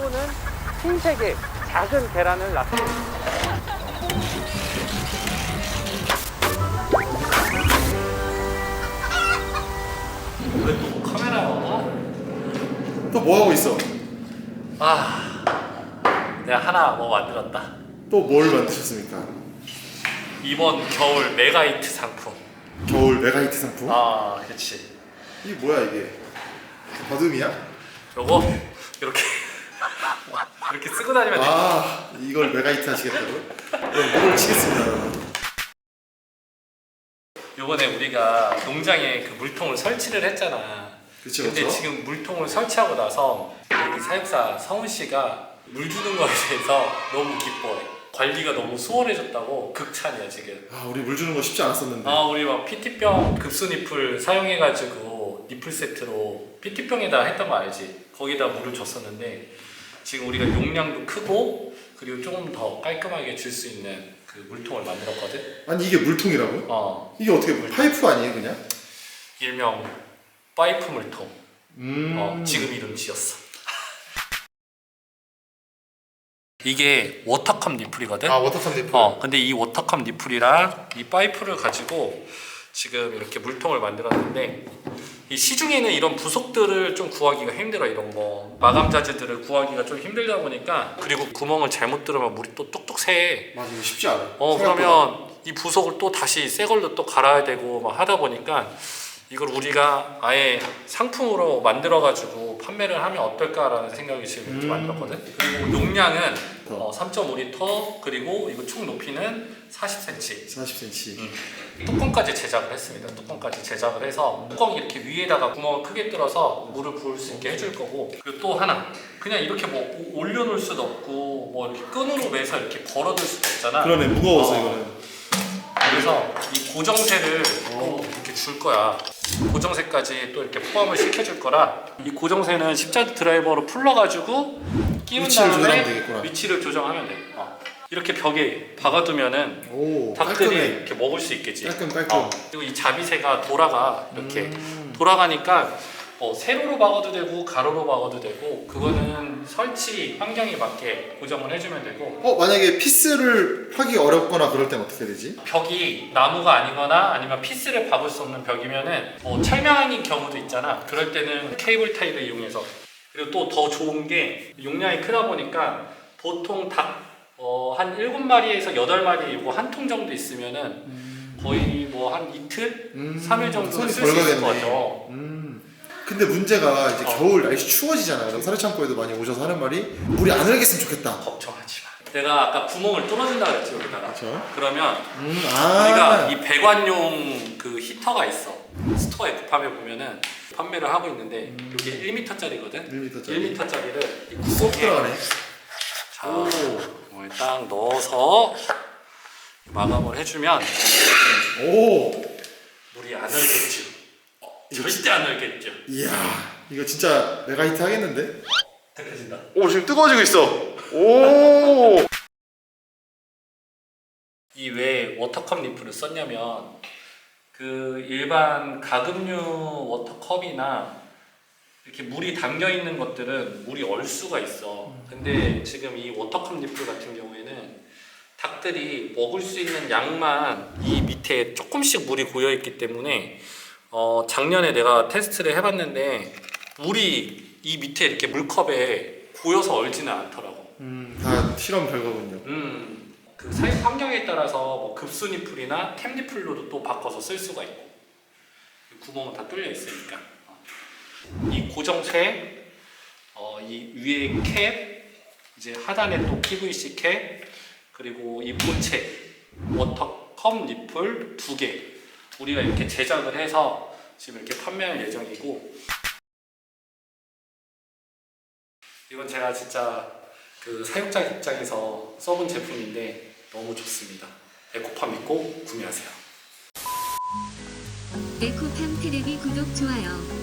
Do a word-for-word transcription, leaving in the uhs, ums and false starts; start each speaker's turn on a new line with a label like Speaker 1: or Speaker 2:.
Speaker 1: 또는 흰색의 작은 계란을 낳습니다.
Speaker 2: 왜 또 카메라야?
Speaker 3: 또 뭐 하고 있어?
Speaker 2: 아, 내가 하나 뭐 만들었다.
Speaker 3: 또 뭘 만드셨습니까?
Speaker 2: 이번 겨울 메가히트 상품.
Speaker 3: 겨울 메가히트 상품?
Speaker 2: 아, 그렇지.
Speaker 3: 이게 뭐야 이게? 버듬이야?
Speaker 2: 요거 이렇게 이렇게 쓰고 다니면 돼.
Speaker 3: 아 이걸 메가히트 하시겠다고요? 그럼 목을 치겠습니다.
Speaker 2: 요번에 우리가 농장에 그 물통을 설치를 했잖아.
Speaker 3: 그쵸,
Speaker 2: 근데
Speaker 3: 그쵸?
Speaker 2: 지금 물통을 설치하고 나서 여기 사육사 성훈 씨가 물 주는 거에 대해서 너무 기뻐해. 관리가 너무 수월해졌다고 극찬이야 지금.
Speaker 3: 아 우리 물 주는 거 쉽지 않았었는데.
Speaker 2: 아, 우리 막 피티병 급수 니플 사용해가지고 니플 세트로 피티병에다 했던 거 알지? 거기다 물을 줬었는데 지금 우리가 용량도 크고 그리고 조금 더 깔끔하게 줄 수 있는 그 물통을 만들었거든?
Speaker 3: 아니 이게 물통이라고요?
Speaker 2: 어,
Speaker 3: 이게 어떻게 파이프 아니에요 그냥?
Speaker 2: 일명 파이프 물통.
Speaker 3: 음.
Speaker 2: 어, 지금 이름 지었어. 이게 워터컵 니플이거든?
Speaker 3: 아 워터컵 니플.
Speaker 2: 어, 근데 이 워터컵 니플이랑 이 파이프를 가지고 지금 이렇게 물통을 만들었는데 이 시중에는 이런 부속들을 좀 구하기가 힘들어. 이런 거 마감 자재들을 구하기가 좀 힘들다 보니까, 그리고 구멍을 잘못 뚫으면 물이 또 뚝뚝 새.
Speaker 3: 맞아 이거 쉽지 않아.
Speaker 2: 어,
Speaker 3: 생각보다.
Speaker 2: 그러면 이 부속을 또 다시 새 걸로 또 갈아야 되고 막 하다 보니까 이걸 우리가 아예 상품으로 만들어 가지고 판매를 하면 어떨까라는 생각이 지금 이렇게
Speaker 3: 음.
Speaker 2: 만들었거든. 그리고 용량은
Speaker 3: 어.
Speaker 2: 어, 삼 점 오 리터, 그리고 이거 총 높이는 사십 센티미터.
Speaker 3: 사십 센티미터.
Speaker 2: 음. 뚜껑까지 제작을 했습니다. 뚜껑까지 제작을 해서 뚜껑 이렇게 위에다가 구멍을 크게 뚫어서 물을 부을 수 있게 해줄 거고, 그리고 또 하나, 그냥 이렇게 뭐 올려놓을 수도 없고 뭐 이렇게 끈으로 매서 이렇게 걸어둘 수도 없잖아.
Speaker 3: 그러네 무거워서
Speaker 2: 어.
Speaker 3: 이거는.
Speaker 2: 그래서 이 고정쇠를 또 이렇게 줄 거야. 고정쇠까지 또 이렇게 포함을 시켜줄 거라, 이 고정쇠는 십자드 드라이버로 풀러가지고 끼운
Speaker 3: 위치를 조절하면
Speaker 2: 다음에
Speaker 3: 되겠구나.
Speaker 2: 위치를 조정하면 돼. 어. 이렇게 벽에 박아두면은
Speaker 3: 오
Speaker 2: 닭들이
Speaker 3: 깔끔해.
Speaker 2: 이렇게 먹을 수 있겠지.
Speaker 3: 깔끔 깔끔.
Speaker 2: 어. 그리고 이 자비새가 돌아가 이렇게
Speaker 3: 음.
Speaker 2: 돌아가니까 어, 세로로 박아도 되고 가로로 박아도 되고, 그거는 설치 환경에 맞게 고정을 해주면 되고.
Speaker 3: 어 만약에 피스를 하기 어렵거나 그럴 땐 어떻게 되지?
Speaker 2: 벽이 나무가 아니거나 아니면 피스를 박을 수 없는 벽이면은 뭐 철망인 경우도 있잖아. 그럴 때는 케이블 타이를 이용해서. 그리고 또 더 좋은 게 용량이 크다 보니까 보통 닭 어, 한 일곱 마리에서 여덟 마리 이거 한 통 정도 있으면은
Speaker 3: 음.
Speaker 2: 거의 뭐 한 이틀?
Speaker 3: 음.
Speaker 2: 삼 일 정도
Speaker 3: 손이
Speaker 2: 쓸 수 있을 것
Speaker 3: 덜
Speaker 2: 같아요.
Speaker 3: 음. 근데 문제가 이제
Speaker 2: 어.
Speaker 3: 겨울 날씨 추워지잖아요. 그럼 사료창고에도 많이 오셔서 하는 말이 물이 안 흐르겠으면 좋겠다.
Speaker 2: 걱정하지 마. 내가 아까 구멍을 뚫어준다 그랬지 여기다가.
Speaker 3: 그렇죠.
Speaker 2: 그러면
Speaker 3: 음, 아.
Speaker 2: 우리가 이 배관용 그 히터가 있어. 스토어에 구팜에 보면은 판매를 하고 있는데 이게 일 미터짜리거든.
Speaker 3: 일 미터짜리.
Speaker 2: 일 미터짜리를 이
Speaker 3: 쏙
Speaker 2: 구멍에
Speaker 3: 들어가네.
Speaker 2: 자, 이걸 딱 넣어서 마감을 해주면
Speaker 3: 오.
Speaker 2: 물이 안 흘겠죠. 절대 안 흘겠죠.
Speaker 3: 이야, 이거 진짜 메가히트 하겠는데?
Speaker 2: 뜨거진다.
Speaker 3: 오, 지금 뜨거워지고 있어. 오.
Speaker 2: 이 왜 워터컵 리프를 썼냐면, 그 일반 가금류 워터컵이나 이렇게 물이 담겨 있는 것들은 물이 얼 수가 있어. 근데 지금 이 워터컵 리플 같은 경우에는 닭들이 먹을 수 있는 양만 이 밑에 조금씩 물이 고여 있기 때문에 어 작년에 내가 테스트를 해봤는데 물이 이 밑에 이렇게 물컵에 고여서 얼지는 않더라고.
Speaker 3: 음, 다 실험 결과군요.
Speaker 2: 음, 그 사육 환경에 따라서 뭐 급수 니플이나 템 니플로도 또 바꿔서 쓸 수가 있고, 구멍은 다 뚫려 있으니까. 이 고정쇠, 어, 이 위에 캡, 이제 하단에 또 피브이씨 캡, 그리고 이 본체 워터컵 니플 두 개, 우리가 이렇게 제작을 해서 지금 이렇게 판매할 예정이고, 이건 제가 진짜 그 사육자 입장에서 써본 제품인데 너무 좋습니다. 에코팜 믿고 구매하세요.
Speaker 4: 에코팜 테레비 구독, 좋아요.